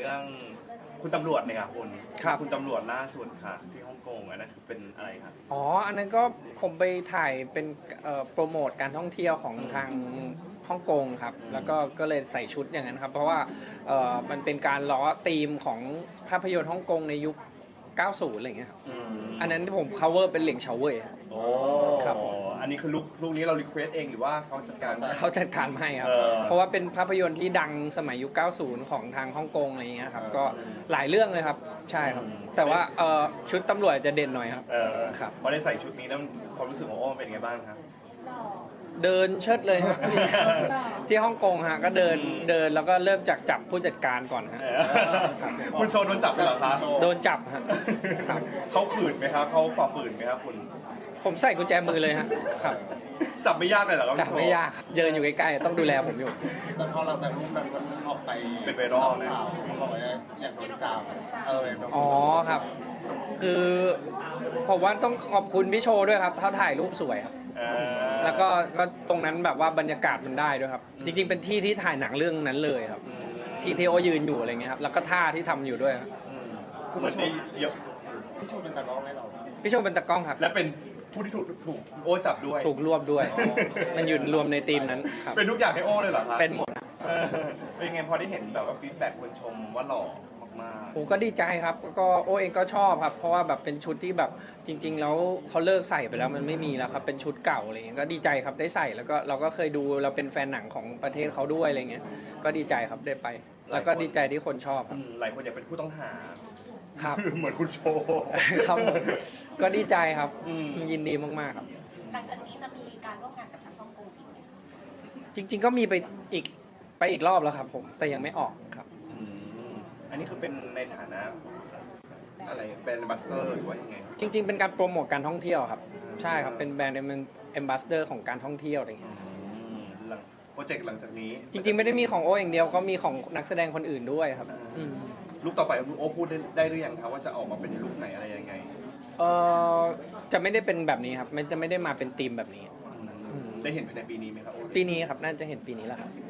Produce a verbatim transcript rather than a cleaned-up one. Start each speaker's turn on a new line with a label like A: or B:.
A: รื่องคุณตำรวจเนี่ยครับคุณ
B: ครับ
A: คุณตำรวจล่าสุดค่ะที่ฮ่องกงอันนั้นคือเป็นอะไรครับ
B: อ๋ออันนั้นก็ผมไปถ่ายเป็นเอ่อโปรโมทการท่องเที่ยวของทางฮ่องกงครับแล้วก็ก็เลยใส่ชุดอย่างนั้นครับเพราะว่าเอ่อมันเป็นการล้อธีมของภาพยนตร์ฮ่องกงในยุค เก้าสิบ อะไรอย่างเงี้ยครับ
A: อืม
B: อันนั้นที่ผม cover เป็นเหลียงเฉาเว่ยครับ
A: โอ้
B: ครับ
A: อันนี้คือลุกลุกนี้เรารีเควสเองหรือว่าเขาจัดการ
B: เขาจัดการมาให้ครับ
A: เออ
B: เพราะว่าเป็นภาพยนตร์ที่ดังสมัยยุค เก้าสิบ ของทางฮ่องกงอะไรอย่างเงี้ยครับก็หลายเรื่องเลยครับใช่ครับแต่ว่าเอ่อชุดตำรวจจะเด่นหน่อยครับ
A: เออ
B: ครับ
A: พอได้ใส่ชุดนี้แล้วความรู้สึกของโอ้มันเป็นไงบ้างครับ
B: เดินเชิดเลยฮะที่ที่ฮ่องกงฮะก็เดินเดินแล้วก็เริ่มจากจับผู้จัดการก่อนฮะ
A: เออคุณโชว์โดนจับไปเหรอครับ
B: โดนจับฮะครับ
A: เขาขืนไหมครับเขาฝ่าฝืนไหมครับคุณ
B: ผมใส่กุญแจมือเลยฮะครับ
A: จับไม่ยากเลยเหรอครับ
B: จับไม่ยากครับเดินอยู่ใกล้ๆต้องดูแลผมอยู่
C: แต่พอหลังจากรูปนั้นมันออกไป
A: เป็นไวรัลนะ
C: ข่าวมันบอกว่าอยากโดนจับเออแบบ
B: อ๋อครับ คือผมว่าต้องขอบคุณพี่โชว์ด้วยครับเขาถ่ายรูปสวยครับ
A: เออ
B: แล้วก็ก็ตรงนั้นแบบว่าบรรยากาศมันได้ด้วยครับ จริงๆเป็นที่ที่ถ่ายหนังเรื่องนั้นเลยครับ
A: อืม
B: ที่ที่โอยืนอยู่อะไรเงี้ยครับแล้วก็ท่าที่ทำอยู่ด้วยครับ
A: อืมคือเหมือนได้เยอะ
C: พี่โชว์เป็นตากล้องให้เรา
B: พี่โชว์เป็นตากล้องครับ
A: และเป็นผู้ที่ถูกถูกโอ้จับด้วย
B: ถูกรวบด้วย มันอยู่รวมในทีมนั้นครับ
A: เป็นทุกอย่างให้โอ้เลยเหรอครับ
B: เป็นหมดอะ
A: เออเป็นไงพอได้เห็นแบบว่าฟีดแบ็กคนชมว่าหล่อมาก
B: ผมก็ดีใจครับก็โอเองก็ชอบครับ เพราะว่าแบบเป็นชุดที่แบบจริง ๆ แล้วเขาเลิกใส่ไปแล้วมันไม่มีแล้วครับเป็นชุดเก่าอะไรเงี้ยก็ดีใจครับได้ใส่แล้วก็เราก็เคยดูเราเป็นแฟนหนังของประเทศเขาด้วยอะไรเงี้ยก็ดีใจครับได้ไป แล้วก็ดีใจที่คนชอบ
A: ๆ
B: ค
A: อื
B: รับ
A: มหลายคนอยากเป็นผู้ต้องหา
B: ครับ
A: เหมือนคุณโชว์
B: ครับผมก็ดีใจครับ
A: อืม
B: ยินดีมากๆครับ
D: หลังจากนี้จะมีการร่วมงานกับทางฮ่องกงอีกไหมคะ
B: จริง ๆ ก็มีไปอีกไปอีกรอบแล้วครับผมแต่ยังไม่ออกครับ
A: อืมอันนี้คือเป็นในฐานะอะไรเป็นบัสเตอร์หรือว่ายังไง
B: จริง ๆ เป็นการโปรโมทการท่องเที่ยวครับใช่ครับเป็นแบรนด์เอมบาสเดอร์ของการท่องเที่ยวอะไรเงี้ย
A: อืมหลังโปรเจกต์หลังจากนี้
B: จริงๆ ไม่ได้มีของโออย่างเดียวก็มีของนักแสดงคนอื่นด้วยครับอืม
A: ลูกต่อไปโอ้พูดได้ได้หรือยังครับว่าจะออกมาเป็นลูกไหนอะไรยังไง
B: เออจะไม่ได้เป็นแบบนี้ครับมันจะไม่ได้มาเป็นธีมแบบนี้
A: อืมได้เห็นภายในปีนี้ไหมครับโอ้
B: ปีนี้ครับน่าจะเห็นปีนี้แหละครับ
A: อ